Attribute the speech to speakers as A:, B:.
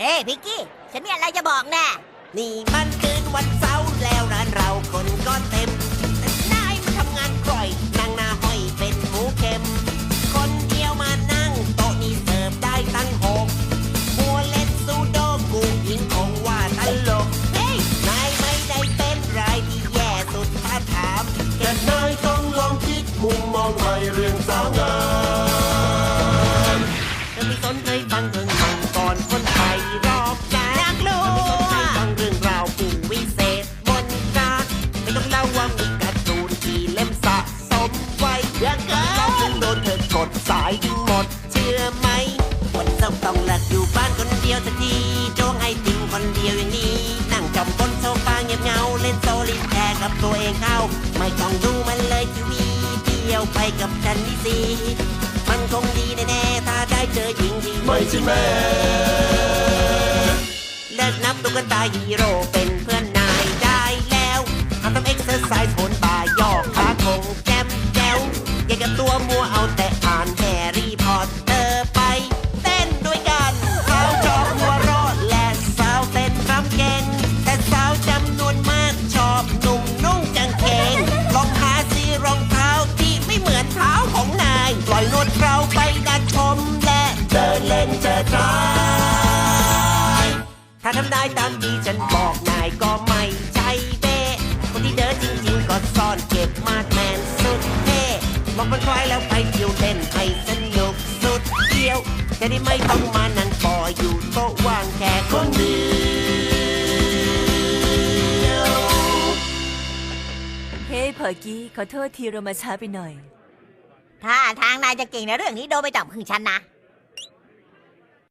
A: ฮ้พิกกี้ฉันมีอะไรจะบอกแน่
B: นี่มันคืนวันเสาร์แล้วร้านเราคนก็เต็มแต่นายมาทำงานกร่อยนั่งหน้าห้อยเป็นหมูเค็มคนเดียวมานั่งโต๊ะนี้เสิร์ฟได้ตั้ง6มัวเล่นซูโดกูยิงคงว่าตลกเฮ้ยนายไม่ได้เป็นรายที่แย่สุดถ้าถามแค่นายต้องลองคิดมุมมองใหม่เรื่องสาวงามเธอไม่สนใจฟังเรื่องมังก่อนคนไทยรอบกา
A: อยากรู้
B: ฟังเรื่องราวผู้วิเศษบนกาไม่ต้องเล่าว่ามีการ์ตูนที่เล่มสะสมไว้เยอะเกินเราจึงโดนเธอกดสายทิ้งหมดเชื่อไหมวันเสาร์ต้องหลักอยู่บ้านคนเดียวสักทีโจ้งให้ติ่งคนเดียวอย่างนี้นั่งจอมบนโซฟาเงียบเงาเล่นโซลิแทร์กับตัวเองเข้าไม่ต้องดูมันเลยทีวีเที่ยวไปกับฉันนี่สิมันคงดีแน่ๆถ้าได้เจอหญิงที่ไม่ใช่แม่เลิกนับตุ๊กตาฮีโร่เป็นเพื่อนนายได้แล้วทำเอ็กซ์เซอร์ไซส์โหนบ่ายอกขาคงแจ่มแจ๋วอย่ากับตัวมัวเอาแต่อ่านแฮร์รี่พอตเตอร์ไปเต้นด้วยกันสาวชอบหัวเราะและสาวเต้นรำเก่งแต่สาวจำนวนมากชอบหนุ่มนุ่งกางเกงลองหาซื้อรองเท้าที่ไม่เหมือนเท้าของนายปล่อยนวดเราไปดัดผมและเดินเล่นเจอทรายถ้าทำได้ตามที่ฉันบอกนายก็ไม่ใช่เบ้คนที่เดินจริงๆก็ซ่อนเก็บมาดแมนสุดเท่บอกมันคล้ายแล้วไปเที่ยวเล่นให้สนุกสุดเดียวจะได้ไม่ต้องมานั่งปออยู่โต๊ะว่างแค่คนเดียว
C: เฮ้ยพอกี้ขอโทษทีเรามาช้าไปหน่อย
A: ถ้าทางนายจะเก่งในเรื่องนี้โดยไม่ต้องพึ่งฉันนะ